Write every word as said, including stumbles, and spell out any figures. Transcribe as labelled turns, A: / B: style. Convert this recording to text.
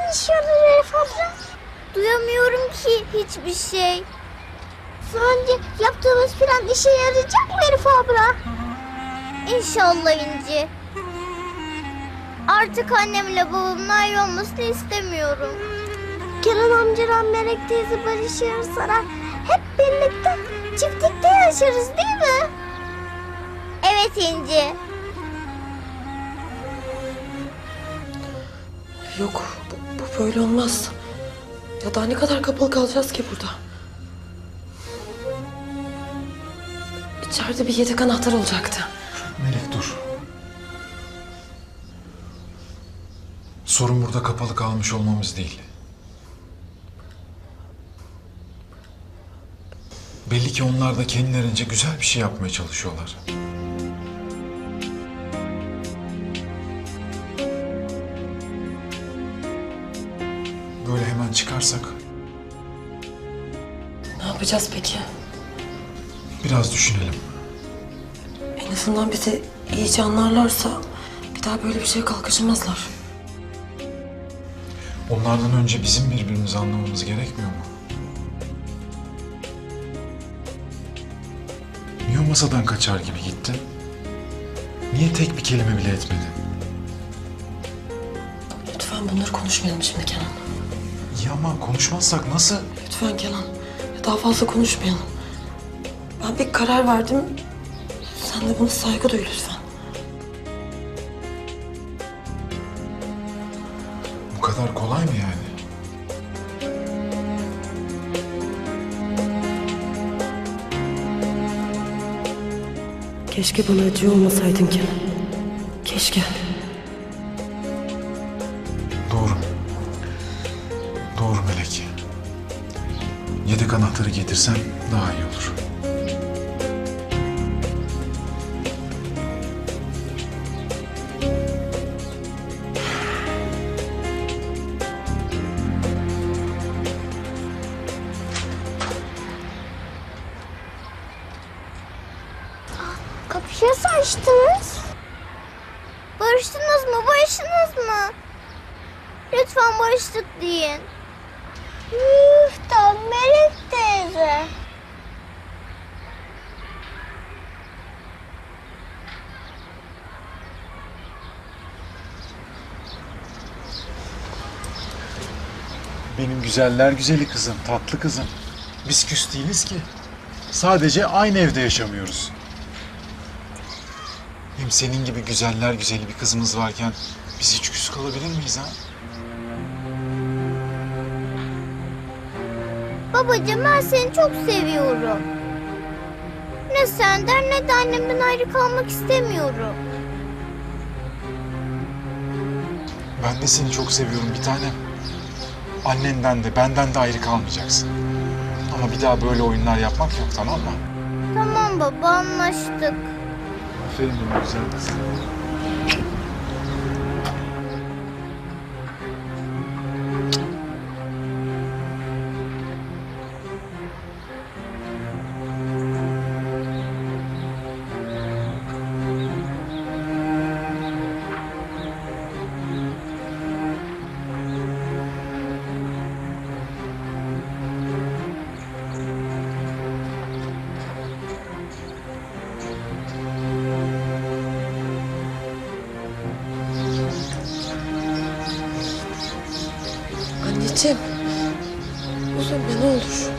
A: ne işe yarar Elif abla?
B: Duyamıyorum ki hiçbir şey.
A: Daha önce yaptığımız plan işe yarayacak mı Elif abla?
B: İnşallah İnci. Artık annemle babamın ayrı olmasını istemiyorum.
A: Kenan amcalar Melek teyze barışırsalar hep birlikte çiftlikte yaşarız değil mi?
B: Evet İnci.
C: Yok, bu, bu böyle olmaz. Ya daha ne kadar kapalı kalacağız ki burada? İçeride bir yedek anahtar olacaktı.
D: Melek dur. Sorun burada kapalı kalmış olmamız değil. Belli ki onlar da kendilerince güzel bir şey yapmaya çalışıyorlar. Böyle hemen çıkarsak
C: Ne yapacağız peki?
D: biraz düşünelim.
C: En azından bizi iyice anlarlarsa bir daha böyle bir şeye kalkışamazlar.
D: Onlardan önce bizim birbirimizi anlamamız gerekmiyor mu? Niye o masadan kaçar gibi gittin? Niye tek bir kelime bile etmedin?
C: Lütfen bunları konuşmayalım şimdi Kenan.
D: İyi ama konuşmazsak nasıl?
C: Lütfen Kenan. Ya daha fazla konuşmayalım. Ben bir karar verdim. Sen de buna saygı duy lütfen.
D: Bu kadar kolay mı yani?
C: Keşke bana acıyor olmasaydın Kenan. Keşke.
D: Doğru. Doğru Melek. Yedek anahtarı getirsen daha iyi olur.
A: Kapıyı nasıl açtınız?
B: Barıştınız mı? Barıştınız mı? Lütfen barıştık deyin.
A: Üf da Melek teyze.
D: Benim güzeller güzeli kızım, tatlı kızım. Biz küs değiliz ki. Sadece aynı evde yaşamıyoruz. Hem senin gibi güzeller güzeli bir kızımız varken biz hiç küs kalabilir miyiz ha?
B: Babacığım ben seni çok seviyorum. Ne senden ne de annemden ayrı kalmak istemiyorum.
D: Ben de seni çok seviyorum bir tanem. Annenden de benden de ayrı kalmayacaksın. Ama bir daha böyle oyunlar yapmak yok, tamam mı?
B: Tamam baba, anlaştık.
D: Aferin benim güzel kızım.
C: Anneciğim. Üzülme ne olur.